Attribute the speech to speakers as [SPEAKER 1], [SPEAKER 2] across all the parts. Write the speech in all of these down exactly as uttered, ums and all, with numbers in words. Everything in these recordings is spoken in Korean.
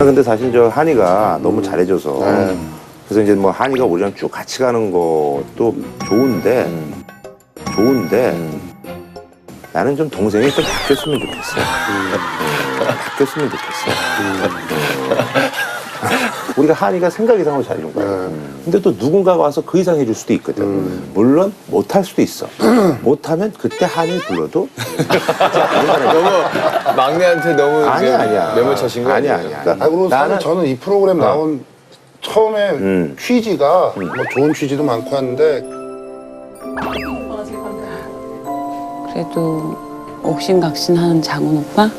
[SPEAKER 1] 근데 사실 저 한이가 너무 잘해줘서 그래서 이제 뭐 한이가 우리랑 쭉 같이 가는 것도 좋은데
[SPEAKER 2] 음.
[SPEAKER 1] 좋은데 나는 좀 동생이 좀 바뀌었으면 좋겠어. 바뀌었으면 좋겠어. 우리가 한이가 생각 이상으로 잘해준 거야. 음. 근데 또 누군가가 와서 그 이상 해줄 수도 있거든. 음. 물론 못할 수도 있어. 못하면 그때 한이 불러도
[SPEAKER 2] 너무 막내한테 너무
[SPEAKER 1] 아니야 아니야.
[SPEAKER 2] 매몰 차신 거
[SPEAKER 1] 아니야
[SPEAKER 2] 아니에요?
[SPEAKER 1] 아니야.
[SPEAKER 3] 아, 그리고
[SPEAKER 1] 나는
[SPEAKER 3] 나는 저는 이 프로그램 나온 처음에
[SPEAKER 1] 음.
[SPEAKER 3] 취지가 뭐 좋은 취지도 많고 하는데
[SPEAKER 4] 그래도 옥신각신하는 장훈 오빠?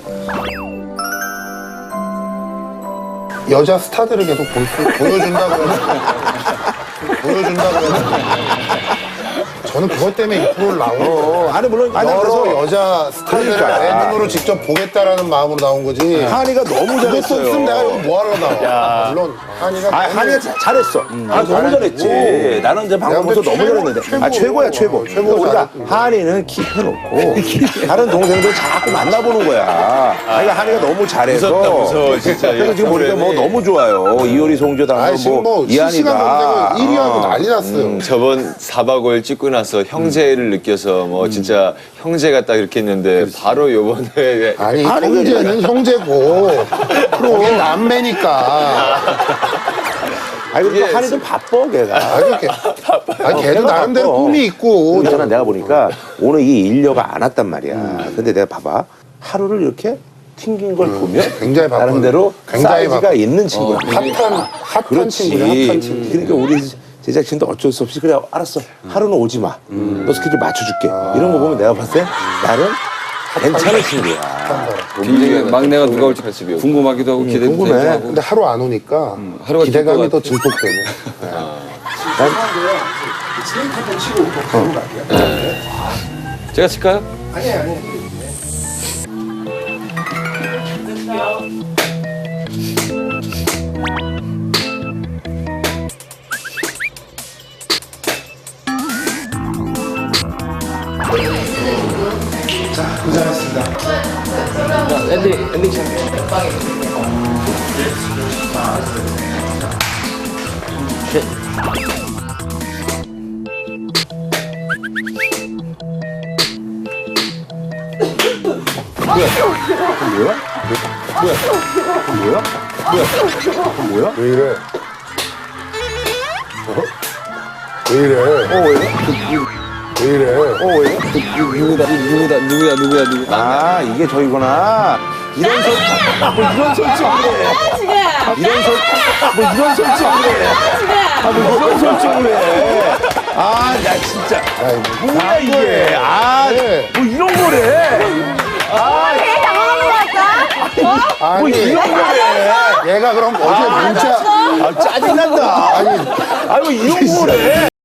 [SPEAKER 3] 여자 스타들을 계속 볼 수, 보여준다고 해서 보여준다고 해서 저는 그것 때문에 이 프로를 나온 거예요.
[SPEAKER 1] 어, 아니 물론 아니
[SPEAKER 3] 여러
[SPEAKER 1] 그래서
[SPEAKER 3] 여자 스타들을
[SPEAKER 1] 그러니까.
[SPEAKER 3] 내 눈으로 직접 보겠다라는 마음으로 나온 거지.
[SPEAKER 1] 한이가 너무
[SPEAKER 3] 그것도
[SPEAKER 1] 잘했어요.
[SPEAKER 3] 없으면 내가 여기 뭐하러 나와. 물론 한이가
[SPEAKER 1] 아,
[SPEAKER 3] 너무-
[SPEAKER 1] 한이가 자- 잘했어. 아, 너무
[SPEAKER 3] 잘했고.
[SPEAKER 1] 잘했지. 나는 이제 방송에서
[SPEAKER 3] 근데
[SPEAKER 1] 너무
[SPEAKER 3] 최고,
[SPEAKER 1] 잘했는데.
[SPEAKER 3] 최고.
[SPEAKER 1] 아, 최고야, 최고.
[SPEAKER 3] 어, 최고
[SPEAKER 1] 우리가
[SPEAKER 3] 잘했고.
[SPEAKER 1] 한이는 킵해놓고 다른 동생들 자꾸 만나보는 거야. 그러니까 한이가 너무 잘해서.
[SPEAKER 2] 무섭다, 무서워, 진짜.
[SPEAKER 1] 그래서 지금 보니까 뭐
[SPEAKER 2] 프로그램이.
[SPEAKER 1] 너무 좋아요. 이효리, 송조당,
[SPEAKER 3] 아니, 지금 뭐
[SPEAKER 1] 이한이가.
[SPEAKER 3] 실시간 검색어 일 위 하고
[SPEAKER 1] 어.
[SPEAKER 3] 난리 났어요.
[SPEAKER 2] 음, 저번 사 박 오 일 찍고 나서 형제를 느껴서 뭐 진짜 형제가 딱 이렇게 했는데 바로 요번에
[SPEAKER 3] 아니,
[SPEAKER 1] 아니,
[SPEAKER 3] 형제는 형제고 프로 남매니까.
[SPEAKER 1] 아니, 그리고
[SPEAKER 2] 이게
[SPEAKER 1] 한이 좀 바빠, 걔가.
[SPEAKER 3] 아주 걔, 아니, 걔도
[SPEAKER 1] 걔가
[SPEAKER 3] 나름대로
[SPEAKER 1] 바빠.
[SPEAKER 3] 꿈이 있고.
[SPEAKER 1] 있잖아, 내가 보니까 오늘 이 일녀가 안 왔단 말이야. 근데 내가 봐봐. 하루를 이렇게 튕긴 걸 보면
[SPEAKER 3] 굉장히 바빠.
[SPEAKER 1] 나름대로
[SPEAKER 3] 굉장히
[SPEAKER 1] 사이즈가
[SPEAKER 3] 바빠.
[SPEAKER 1] 있는 친구야.
[SPEAKER 3] 핫한, 핫한
[SPEAKER 1] 그렇지.
[SPEAKER 3] 친구야, 핫한 친구.
[SPEAKER 1] 그러니까 우리 제작진도 어쩔 수 없이 그래 알았어. 하루는 오지 마. 너 스케줄 맞춰줄게. 이런 거 보면 내가 봤을 때 나름 괜찮은 친구야.
[SPEAKER 5] 이게 막내가 누가 올지
[SPEAKER 2] 칼집이 없고.
[SPEAKER 5] 궁금하기도 하고 기대도
[SPEAKER 1] 궁금해.
[SPEAKER 5] 되고 하고.
[SPEAKER 3] 근데 하루 안 오니까
[SPEAKER 5] 하루가
[SPEAKER 3] 기대감이
[SPEAKER 5] 길
[SPEAKER 3] 더
[SPEAKER 5] 것
[SPEAKER 3] 증폭되네.
[SPEAKER 5] 제가 칠까요?
[SPEAKER 1] 뭐야?
[SPEAKER 3] 왜 이래? 어? 왜 이래?
[SPEAKER 1] 어, 왜?
[SPEAKER 3] 왜 이래?
[SPEAKER 1] 어, 왜?
[SPEAKER 5] 누구다 누구다 누구야 누구야 누구.
[SPEAKER 1] 아, 이게 저희구나. 이런 설, 뭐 이런 설정을 해. 이런 설, 뭐 이런 설정을 해. 아, 뭐 이런 설정을 해. 아, 나 진짜. 뭐야, 이게. 아,
[SPEAKER 3] 네.
[SPEAKER 1] 뭐 이런 거래.
[SPEAKER 6] 되게 당황한 것 같다.
[SPEAKER 3] 아니,
[SPEAKER 1] 뭐 이런 거래.
[SPEAKER 3] 얘가 그럼 어제 문자.
[SPEAKER 1] 아, 짜증난다. 아니, 아, 뭐 이런 거래.